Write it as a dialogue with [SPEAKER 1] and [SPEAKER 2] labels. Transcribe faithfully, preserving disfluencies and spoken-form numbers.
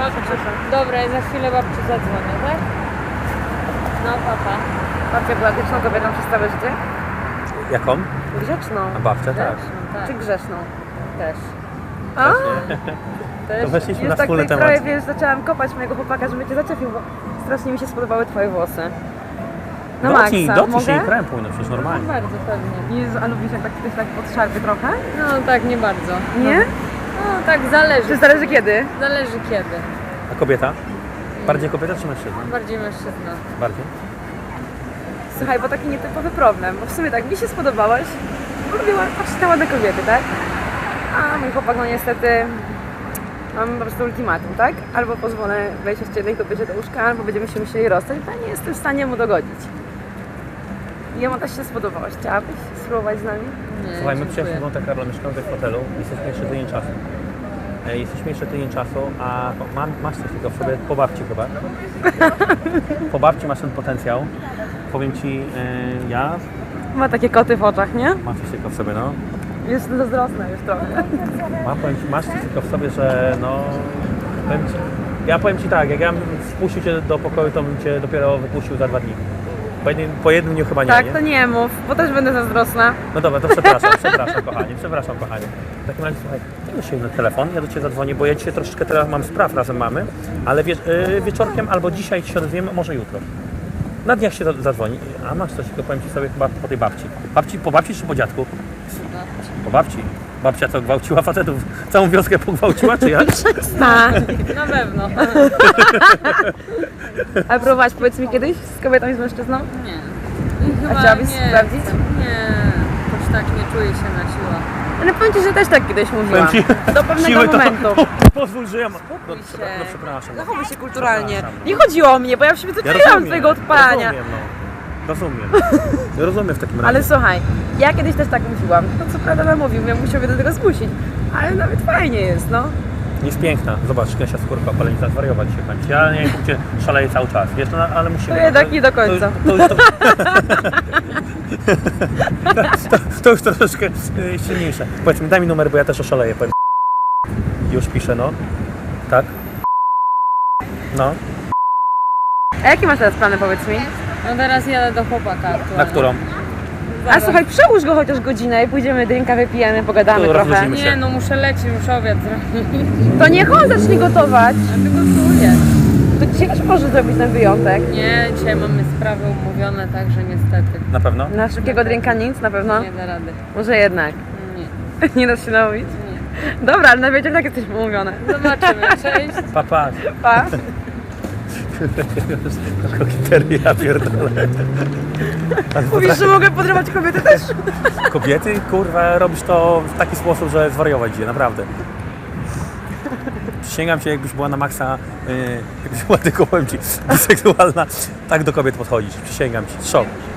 [SPEAKER 1] Dobra, i za chwilę babci zadzwonię, tak? No, papa.
[SPEAKER 2] Babcia była grzeczną kobietą przez całe życie?
[SPEAKER 3] Jaką?
[SPEAKER 2] Grzeczną.
[SPEAKER 3] A babcia, tak.
[SPEAKER 1] Tak.
[SPEAKER 2] Czy grzeszną?
[SPEAKER 1] Też.
[SPEAKER 2] A?
[SPEAKER 1] Też.
[SPEAKER 3] To weszliśmy
[SPEAKER 2] Już
[SPEAKER 3] na
[SPEAKER 2] tak
[SPEAKER 3] wspólny
[SPEAKER 2] tutaj
[SPEAKER 3] temat.
[SPEAKER 2] prawie, wiesz, zaczęłam kopać mojego chłopaka, żeby cię zaczepił, bo strasznie mi się spodobały twoje włosy. Na
[SPEAKER 3] Dotknij,
[SPEAKER 2] maksa,
[SPEAKER 3] dotknij się i
[SPEAKER 2] mogę?
[SPEAKER 3] krem płynął, przecież normalnie.
[SPEAKER 1] Bardzo pewnie.
[SPEAKER 2] Jezu, a lubisz jak tak ktoś tak od szarpy trochę?
[SPEAKER 1] No tak, nie bardzo.
[SPEAKER 2] Nie?
[SPEAKER 1] No tak, zależy.
[SPEAKER 2] Czy zależy kiedy?
[SPEAKER 1] Zależy kiedy.
[SPEAKER 3] A kobieta? Bardziej kobieta czy mężczyzna?
[SPEAKER 1] Bardziej mężczyzna.
[SPEAKER 3] Bardziej?
[SPEAKER 2] Słuchaj, bo taki nietypowy problem, bo w sumie tak, mi się spodobałaś, bo lubiłam patrzeć na ładne kobiety, tak? A mój chłopak, no niestety, mam po prostu ultimatum, tak? Albo pozwolę wejść jeszcze jednej kobiecie do łóżka, albo będziemy się musieli rozstać, bo ja nie jestem w stanie mu dogodzić. I jemu też się spodobałaś. Chciałabyś spróbować z nami?
[SPEAKER 1] Nie,
[SPEAKER 3] Słuchaj, my
[SPEAKER 1] dziękuję.
[SPEAKER 3] przyjechaliśmy do Monte Carlo, mieszkamy w hotelu, jesteśmy jeszcze tydzień czasu. E, Jesteśmy jeszcze tydzień czasu, a mam, masz coś takiego w sobie, po babci chyba. Po babci masz ten potencjał. Powiem Ci, e, ja
[SPEAKER 2] Ma takie koty w oczach, nie?
[SPEAKER 3] mam coś takiego w sobie, no.
[SPEAKER 2] Jest zazdrosna już trochę.
[SPEAKER 3] Mam, powiem ci, masz coś takiego w sobie, że no... Powiem ci, ja powiem Ci tak, jak ja bym wpuścił Cię do pokoju, to bym Cię dopiero wypuścił za dwa dni. Po jednym, po jednym dniu chyba nie,
[SPEAKER 2] Tak,
[SPEAKER 3] nie?
[SPEAKER 2] to nie mów, bo też będę zazdrosna.
[SPEAKER 3] No dobra, to przepraszam, przepraszam kochanie, przepraszam kochanie. W takim razie słuchaj, daj się na telefon, ja do Ciebie zadzwonię, bo ja dzisiaj troszeczkę teraz mam spraw, razem mamy, ale wie, yy, wieczorkiem albo dzisiaj się odezwiemy, może jutro. Na dniach się zadzwoni. A masz coś, tylko powiem Ci sobie chyba po tej babci. babci. Po babci czy po dziadku? Po babci. Babcia co, gwałciła facetów? Całą wioskę pogwałciła, czy jak?
[SPEAKER 2] Tak.
[SPEAKER 1] Na pewno.
[SPEAKER 2] A próbowałaś, powiedz mi kiedyś z kobietą i z mężczyzną?
[SPEAKER 1] Nie.
[SPEAKER 2] A
[SPEAKER 1] Chyba
[SPEAKER 2] chciałabyś
[SPEAKER 1] nie
[SPEAKER 2] sprawdzić?
[SPEAKER 1] jestem. Nie. Już tak nie czuję się na siłę.
[SPEAKER 2] Ale powiem Ci, że też tak kiedyś mówiłam.
[SPEAKER 3] Powiem ci,
[SPEAKER 2] Do pewnego
[SPEAKER 3] siły to-
[SPEAKER 2] momentu.
[SPEAKER 3] Pozwól, że ja mam... No,
[SPEAKER 2] się.
[SPEAKER 3] przepra- no przepraszam.
[SPEAKER 2] Zachowuj się kulturalnie.
[SPEAKER 3] Przepraszam.
[SPEAKER 2] Nie chodziło o mnie, bo ja w siebie
[SPEAKER 3] Ja
[SPEAKER 2] doceniłam
[SPEAKER 3] rozumiem,
[SPEAKER 2] twojego odpalania.
[SPEAKER 3] Rozumiem, no. Rozumiem. Ja rozumiem w takim razie.
[SPEAKER 2] Ale słuchaj, ja kiedyś też tak mówiłam. To co prawda namówił, ja musiał mnie do tego zmusić. Ale nawet fajnie jest, no.
[SPEAKER 3] Jest piękna. Zobacz, Kasia Skórka, opalenica, zwariować się kończy. Ja nie wiem, gdzie szaleje cały czas. Wiesz, no, ale musimy.
[SPEAKER 2] To jednak nie do końca.
[SPEAKER 3] To, to, to, to, to już troszeczkę y, silniejsze. Powiedz mi, daj mi numer, bo ja też oszaleję. Powiem. Już piszę, no. Tak? No.
[SPEAKER 2] A jakie masz teraz plany, powiedz mi?
[SPEAKER 1] No teraz jadę do chłopaka aktualnie.
[SPEAKER 3] Na którą?
[SPEAKER 2] A słuchaj, przełóż go chociaż godzinę i pójdziemy drinka, wypijemy, pogadamy
[SPEAKER 3] To
[SPEAKER 2] trochę.
[SPEAKER 3] rozluźnimy.
[SPEAKER 1] Nie, no muszę lecieć, muszę obiad zrobić.
[SPEAKER 2] To niech on zacznie gotować.
[SPEAKER 1] A ty gotuję.
[SPEAKER 2] To dzisiaj też może zrobić ten wyjątek.
[SPEAKER 1] Nie, dzisiaj mamy sprawy umówione, także niestety
[SPEAKER 3] Na pewno?
[SPEAKER 2] Na szybkiego drinka nic na pewno?
[SPEAKER 1] nie da rady.
[SPEAKER 2] Może jednak.
[SPEAKER 1] Nie,
[SPEAKER 2] Nie dasz się namówić?
[SPEAKER 1] nie.
[SPEAKER 2] Dobra, ale na wieczór tak jesteśmy umówione.
[SPEAKER 1] Zobaczymy, cześć.
[SPEAKER 3] Papa.
[SPEAKER 2] Pa.
[SPEAKER 3] Kokieteria, ja pierdolę.
[SPEAKER 2] Mówisz, że mogę podrywać kobiety też?
[SPEAKER 3] Kobiety, kurwa, robisz to w taki sposób, że zwariować idzie, naprawdę. Przysięgam Cię, jakbyś była na maksa, yy, jakbyś była tylko, powiem Ci, biseksualna, tak do kobiet podchodzisz. Przysięgam Ci. Szok.